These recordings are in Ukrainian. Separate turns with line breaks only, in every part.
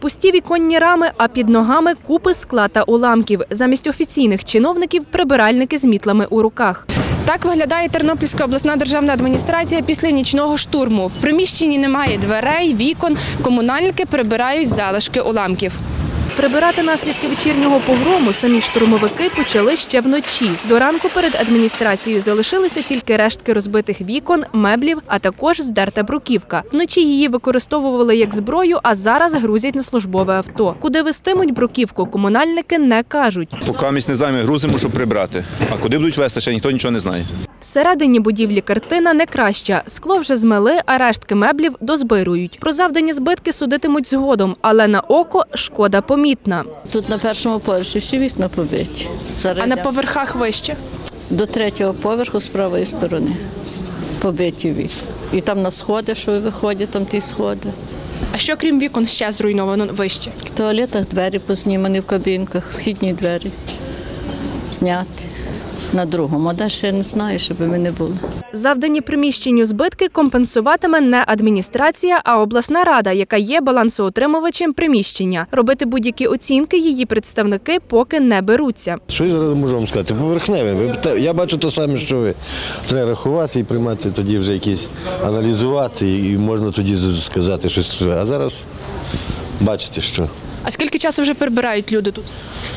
Пусті віконні рами, а під ногами купи скла та уламків. Замість офіційних чиновників – прибиральники з мітлами у руках. Так виглядає Тернопільська обласна державна адміністрація після нічного штурму. В приміщенні немає дверей, вікон, комунальники прибирають залишки уламків. Прибирати наслідки вечірнього погрому самі штурмовики почали ще вночі. До ранку перед адміністрацією залишилися тільки рештки розбитих вікон, меблів, а також здерта бруківка. Вночі її використовували як зброю, а зараз грузять на службове авто. Куди вестимуть бруківку, комунальники не кажуть.
Поки ми не знаємо, грузимо, щоб прибрати. А куди будуть вести, ще ніхто нічого не знає.
Всередині будівлі картина не краща. Скло вже змели, а рештки меблів дозбирують. Про завдані збитки судитимуть згодом, але на око шкода помітна.
Тут на першому поверсі всі вікна побиті.
А на поверхах вище?
До третього поверху з правої сторони побиті вікна. І там на сходи, що виходять, там ті сходи.
А що крім вікон ще зруйновано вище?
В туалетах двері познімані в кабінках, вхідні двері зняті. На другому, а далі я не знаю, щоб ми не були.
Завдані приміщенню збитки компенсуватиме не адміністрація, а обласна рада, яка є балансоутримувачем приміщення. Робити будь-які оцінки її представники поки не беруться.
Що я зараз можу вам сказати? Поверхневе. Я бачу те саме, що ви. Треба рахувати і приймати тоді вже якісь, аналізувати і можна тоді сказати щось. А зараз бачите, що.
А скільки часу вже прибирають люди тут?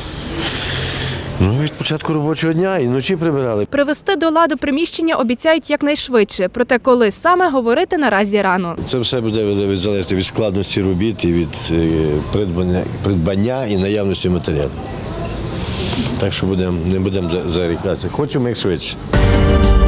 Від початку робочого дня і вночі прибирали.
Привести до ладу приміщення обіцяють якнайшвидше. Проте коли саме говорити наразі рано.
Це все буде залежати від складності робіт і від придбання і наявності матеріалу. Так що не будемо зарікатися. Хочемо як швидше.